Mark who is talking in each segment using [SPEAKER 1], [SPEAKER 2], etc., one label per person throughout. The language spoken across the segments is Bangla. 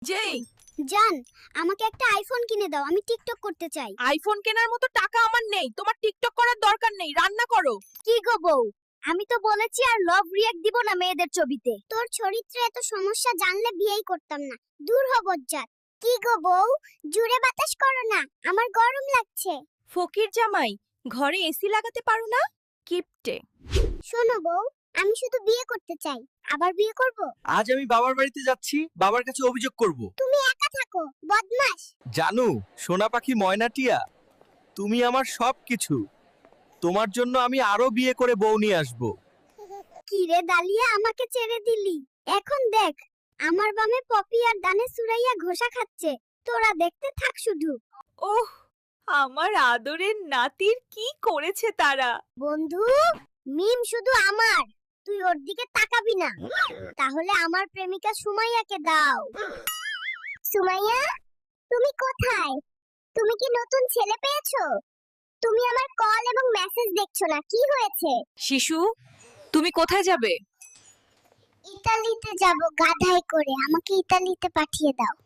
[SPEAKER 1] যেই
[SPEAKER 2] জান, আমাকে একটা আইফোন কিনে দাও, আমি টিকটক করতে চাই।
[SPEAKER 1] আইফোন কেনার মতো টাকা আমার নেই, তোমার টিকটক করার দরকার নেই, রান্না করো।
[SPEAKER 2] কি গো বউ, আমি তো বলেছি আর লাভ রিঅ্যাক্ট দিব না মেয়েদের ছবিতে। তোর চরিত্রে এত সমস্যা জানলে বিয়েই করতাম না। দূর হ বজ্জাত। কি গো বউ, জুড়ে বাতাস করো না, আমার গরম লাগছে।
[SPEAKER 1] ফকির জামাই, ঘরে এসি লাগাতে পারো না? কিপটে।
[SPEAKER 2] শোনো বউ, আমি শুধু বিয়ে করতে চাই, আবার বিয়ে করব।
[SPEAKER 3] আজ আমি বাবার বাড়িতে যাচ্ছি, বাবার কাছে অভিযোগ করব।
[SPEAKER 2] তুমি একা থাকো, বদমাশ।
[SPEAKER 3] জানু, সোনা পাখি ময়নাটিয়া, তুমি আমার সবকিছু। তোমার জন্য আমি আরো বিয়ে করে বউ নিয়ে আসব।
[SPEAKER 2] কি রে দালিয়া, আমাকে ছেড়ে দিলি? এখন দেখ, আমার বামে পপি আর ডানে সুরাইয়া ঘোষা খাচ্ছে। তোরা দেখতে থাক শুধু।
[SPEAKER 1] ওহ, আমার আদরের নাতির কি করেছে তারা।
[SPEAKER 2] বন্ধু, মিম শুধু আমার, তুই ওর দিকে তাকাবি না। তাহলে আমার প্রেমিকা সুমাইয়াকে দাও। সুমাইয়া, তুমি কোথায়? তুমি কি নতুন ছেলে পেয়েছো? তুমি আমার কল এবং মেসেজ দেখছো না, কি হয়েছে?
[SPEAKER 1] শিশু, তুমি কোথায় যাবে?
[SPEAKER 2] ইতালিতে যাব গাধায় করে, আমাকে ইতালিতে পাঠিয়ে দাও।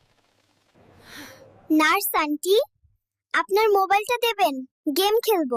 [SPEAKER 2] নার্স আন্টি, আপনার মোবাইলটা দেবেন, গেম খেলবো।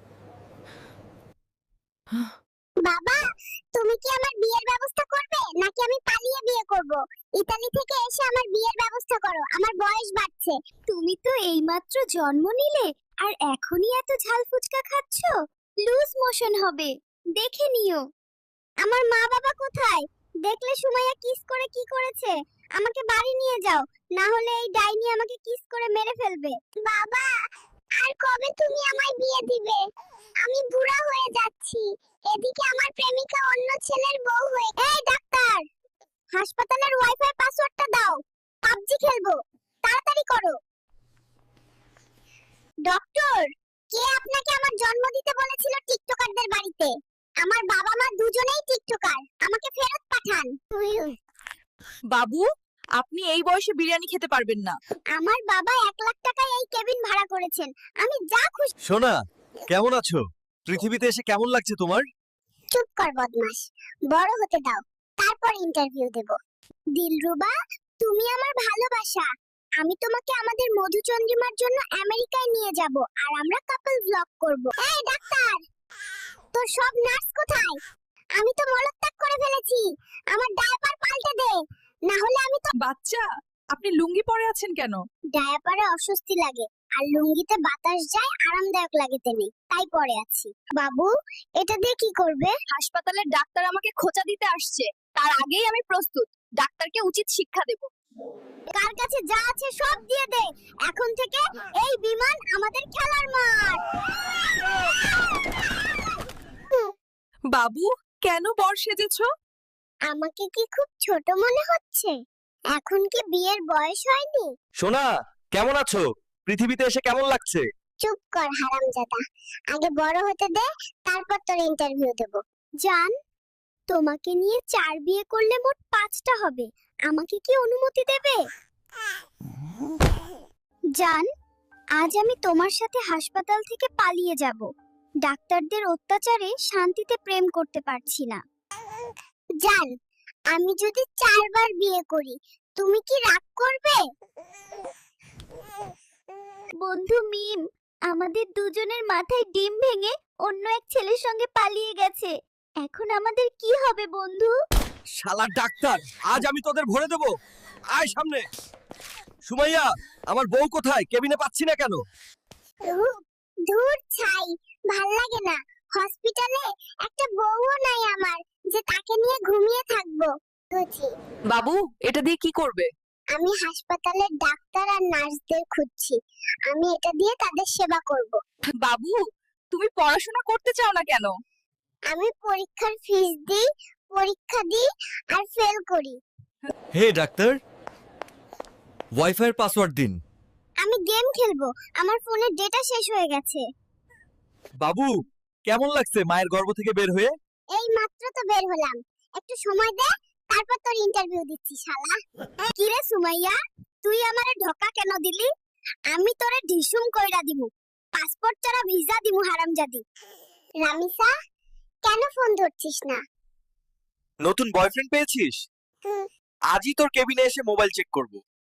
[SPEAKER 2] বাবা, তুমি কি আমার বিয়ের ব্যবস্থা করবে নাকি আমি পালিয়ে বিয়ে করব? ইতালি থেকে এসে আমার বিয়ের ব্যবস্থা করো, আমার বয়স বাড়ছে। তুমি তো এইমাত্র জন্ম নিলে আর এখনই এত ঝাল ফুচকা খাচ্ছো, লুজ মোশন হবে, দেখে নিও। আমার মা বাবা কোথায়? দেখলে সুমাইয়া কিস করে কি করেছে? আমাকে বাড়ি নিয়ে যাও, না হলে এই ডাইনি আমাকে কিস করে মেরে ফেলবে। বাবা, আর কবে তুমি আমায় বিয়ে দিবে? আমি বুড়া হয়ে যাচ্ছি, এদিকে আমার প্রেমিকা অন্য ছেলের বউ হয়ে। এই ডাক্তার, হাসপাতালের ওয়াইফাই পাসওয়ার্ডটা দাও, পাবজি খেলবো, তাড়াতাড়ি করো। ডক্টর, কে আপনাকে আমার জন্ম দিতে বলেছিল টিকটকারদের বাড়িতে? আমার বাবা মা দুজনেই টিকটকার, আমাকে ফেরত পাঠান।
[SPEAKER 1] বাবু, আপনি এই বয়সে বিরিয়ানি খেতে পারবেন না।
[SPEAKER 2] আমার বাবা 1 লাখ টাকায় এই কেবিন ভাড়া করেছেন, আমি যা খুশি।
[SPEAKER 3] সোনা, কেমন আছো? পৃথিবীতে এসে কেমন লাগছে তোমার?
[SPEAKER 2] চুপ কর বদমাশ, বড় হতে দাও, তারপর ইন্টারভিউ দেব। দিলরুবা, তুমি আমার ভালোবাসা, আমি তোমাকে আমাদের মধুচন্দ্রিমার জন্য আমেরিকায় নিয়ে যাব আর আমরা কাপল ব্লগ করব। এই ডাক্তার, তোর সব নার্স কোথায়? আমি তো মলত্যাগ করে ফেলেছি, আমার ডায়াপার পাল্টে দে, না হলে আমি তো।
[SPEAKER 1] বাচ্চা, আপনি লুঙ্গি পরে আছেন কেন?
[SPEAKER 2] ডায়াপারে অস্বস্তি লাগে আর লুঙ্গিতে বাতাস যায়, আরামদায়ক লাগে তেমনি, তাই পরে আছি। বাবু, এটা দিয়ে কি করবে?
[SPEAKER 1] হাসপাতালের ডাক্তার আমাকে খোঁচা দিতে আসছে, তার আগেই আমি প্রস্তুত। ডাক্তারকে উচিত শিক্ষা দেব।
[SPEAKER 2] কার কাছে যা আছে সব দিয়ে দে, এখন থেকে এই বিমান আমাদের খেলার মাঠ।
[SPEAKER 1] বাবু, কেন বর সেজেছো?
[SPEAKER 2] আমাকে কি খুব ছোট মনে হচ্ছে? এখন কি বিয়ের বয়স হয়নি?
[SPEAKER 3] সোনা, কেমন আছো? পৃথিবীতে এসে কেমন লাগছে?
[SPEAKER 2] চুপ কর হারামজাদা, আগে বড় হতে দে, তারপর তোর ইন্টারভিউ দেব। জান, তোমাকে নিয়ে 4 বিয়ে করলে মোট 5টা হবে, আমাকে কি অনুমতি দেবে? জান, আজ আমি তোমার সাথে হাসপাতাল থেকে পালিয়ে যাব, ডাক্তারদের অত্যাচারে শান্তিতে প্রেম করতে পারছি না। জান, আমি যদি 4 বার বিয়ে করি, তুমি কি রাগ করবে? বন্ধু মিম, আমাদের দুজনের মাথায় ডিম ভেঙে অন্য এক ছেলের সঙ্গে পালিয়ে গেছে, এখন আমাদের কি হবে বন্ধু?
[SPEAKER 3] শালা ডাক্তার, আজ আমি তোদের ভরে দেব। আয় সামনে। সুমাইয়া, আমার বউ কোথায়? কেবিনে পাচ্ছি না কেন?
[SPEAKER 2] ধুর ছাই, ভাল লাগে না। হসপিটালে একটা বউও নাই আমার, যে তাকে নিয়ে ঘুমিয়ে থাকবো।
[SPEAKER 1] বাবু, এটা দিয়ে কি করবে?
[SPEAKER 2] আমি হাসপাতালের ডাক্তার আর নার্সদের খুঁজছি, আমি এটা দিয়ে তাদের সেবা করব।
[SPEAKER 1] বাবু, তুমি পড়াশোনা করতে চাও না কেন?
[SPEAKER 2] আমি পরীক্ষার ফিস দিই, পরীক্ষা দিই আর ফেল করি।
[SPEAKER 3] হে ডাক্তার, ওয়াইফাই এর পাসওয়ার্ড দিন।
[SPEAKER 2] আমি গেম খেলবো, আমার ফোনের ডেটা শেষ হয়ে গেছে।
[SPEAKER 3] বাবু, কেমন লাগছে মায়ের গর্ভ থেকে বের হয়ে?
[SPEAKER 2] এই মাত্র তো বের হলাম, একটু সময় দে, তারপর তোর ইন্টারভিউ দিচ্ছি শালা। কি রে সুমাইয়া, তুই আমারে ধোকা কেন দিলি? আমি তোরে ঢিসুম কইরা দিমু, পাসপোর্ট ছাড়া ভিসা দিমু হারামজাদি। রামিসা, কেন ফোন ধরছিস না?
[SPEAKER 3] নতুন বয়ফ্রেন্ড পেয়েছিস? আজই তোর কেবিনে এসে মোবাইল চেক করব